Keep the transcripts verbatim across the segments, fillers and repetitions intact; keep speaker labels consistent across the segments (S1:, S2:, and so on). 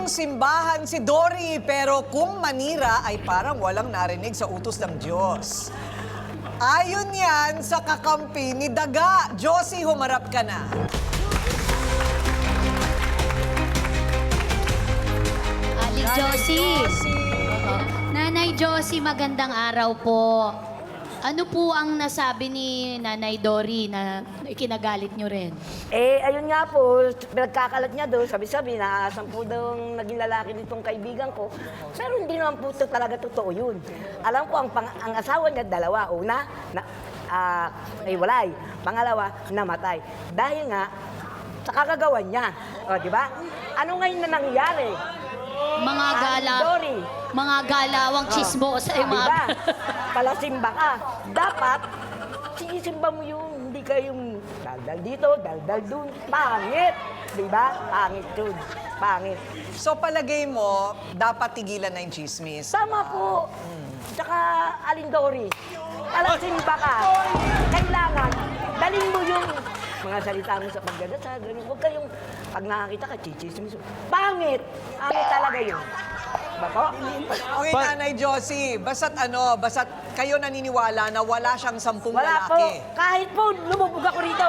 S1: simbahan si Dory, pero kung manira ay parang walang narinig sa utos ng Diyos. Ayon yan sa kakampi ni Daga. Josie, humarap ka na.
S2: Ali Josie. Oo. Nanay Josie, magandang araw po. Ano po ang nasabi ni Nanay Dory na ikinagalit nyo rin?
S3: Eh, ayun nga po, pinagkakalat niya doon, sabi-sabi, naaasam po daw naging lalaki nitong kaibigan ko. Pero hindi naman po to talaga totoo yun. Alam ko, ang, pang, ang asawa niya, dalawa. Una, na, uh, ay walay. Pangalawa, namatay. Dahil nga, sa kagagawan niya. O, di ba? Ano ngayon na nangyari?
S2: Mga gala,
S3: Dory.
S2: mga galawang chismos ay mga...
S3: Diba? Palasimba ka. Dapat, sinisimba mo yung hindi ka yung daldal dito, daldal dun. Pangit. Diba? Pangit yun. Pangit.
S1: So palagay mo, dapat tigilan na yung chismis.
S3: Tama po. Tsaka, Alindori, palasimba ka. Kailangan, dalhin mo yung mga salita mo sa pagdadasal. Ganun. Huwag kayong, pag nakakita ka, chichismis. Pangit. Pangit talaga yun. Diba po?
S1: Okay, Nanay Josie, basta't ano, basta't kayo naniniwala na wala siyang sampung
S3: Wala po.
S1: lalaki.
S3: Kahit po, lumubog ako rito.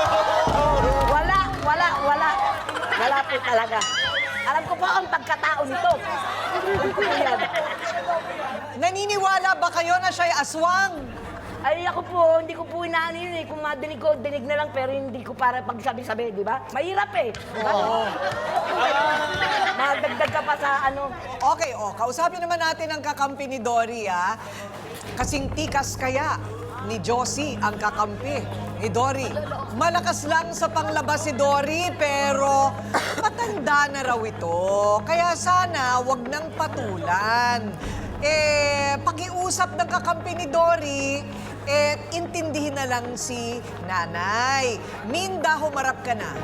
S3: Wala, wala, wala. Wala po talaga. Alam ko po ang pagkatao nito. Alam ko po yan.
S1: Naniniwala ba kayo na siya'y aswang?
S3: Ay, ako po, hindi ko po inaano yun eh. Kung madinig ko, dinig na lang, pero hindi ko para pagsabi-sabi, di ba? Mahirap eh. Diba?
S1: Oo.
S3: Madagdag ka pa sa ano.
S1: Okay, oh, kausapin naman natin ang kakampi ni Dory, ah. Kasing tikas kaya ni Josie ang kakampi ni Dory. Malakas lang sa panglabas si Dory, pero matanda na raw ito. Kaya sana wag nang patulan. Eh, pakiusap ng kakampi ni Dory, eh, intindihin na lang si Nanay. Minda, humarap ka na.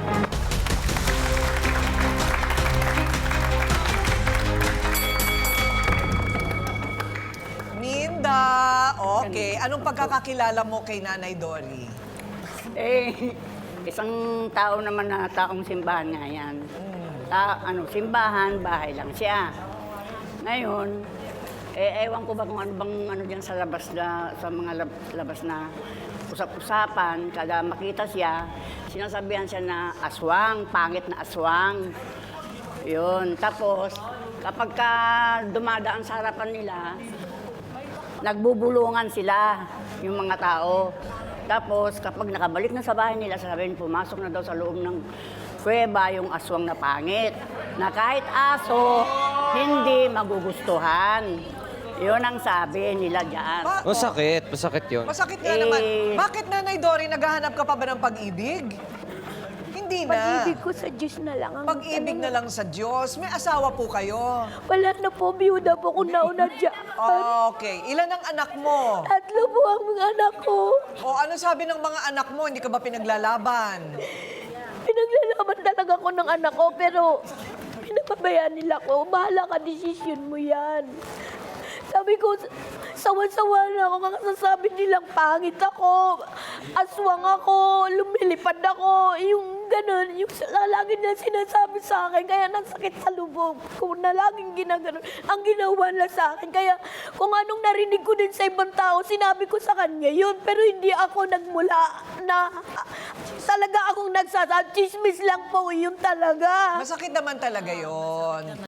S1: Minda, okay. Anong pagkakakilala mo kay Nanay Dory?
S4: Eh, isang tao naman na taong simbahan nga yan. Ta, ano, simbahan, bahay lang siya. Ngayon, eh, ewan ko ba kung ano bang ano dyan sa labas na, sa mga lab, labas na usap-usapan, kada makita siya, sinasabihan siya na aswang, pangit na aswang. Yun. Tapos, kapag ka dumadaan sa harapan nila, nagbubulungan sila, yung mga tao. Tapos, kapag nakabalik na sa bahay nila, sasabihin, pumasok na daw sa loob ng kuweba yung aswang na pangit. Na kahit aso, hindi magugustuhan. Yun ang sabi nila dyan.
S1: Ba-
S5: Masakit, masakit yun.
S1: Masakit nga
S4: Eh,
S1: naman. Bakit, Nanay Dory, naghahanap ka pa ba ng pag-ibig? Hindi na.
S6: Pag-ibig ko sa Diyos na lang ang
S1: Pag-ibig na lang sa Diyos. May asawa po kayo.
S6: Wala na po, biyuda po kung nauna dyan.
S1: Okay. Ilan ang anak mo?
S6: Tatlo po ang mga anak ko.
S1: O ano sabi ng mga anak mo? Hindi ka ba pinaglalaban?
S6: Pinaglalaban talaga ko ng anak ko, pero pinapabayaan nila ko. Bahala ka, desisyon mo yan. Sabi ko, sawan-sawa na ako. Kakasasabi nilang pangit ako, aswang ako, lumilipad ako. Yung ganun, yung lagi na sinasabi sa akin. Kaya nasakit sa lubog ko na laging ginaganon. Ang ginawa na sa akin. Kaya kung anong narinig ko din sa ibang tao, sinabi ko sa kanya yun. Pero hindi ako nagmula na talaga akong nagsasabi. Chismis lang po, yun talaga.
S1: Masakit naman talaga yon.